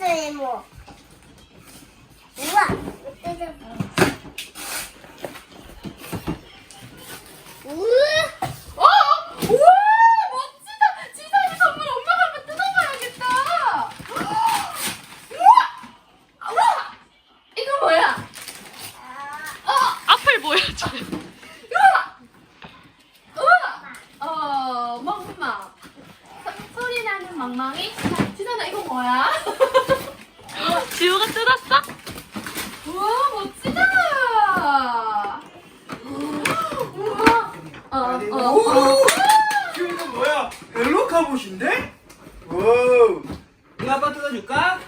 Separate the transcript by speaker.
Speaker 1: 이모. 우와,
Speaker 2: 우와, 멋지다. 지선이 선물 엄마가 한번 뜯어봐야겠다. 우와, 이거 뭐야? 앞을 보여줘. 우와, 멍멍. 소리 나는 멍멍이. 지선아, 이거 뭐야? 지우가 뜯었어? 우와, 멋지다. 우와.
Speaker 3: 지금 이거 뭐야? 헬로 카봇인데? 오. 이거 아빠 뜯어줄까?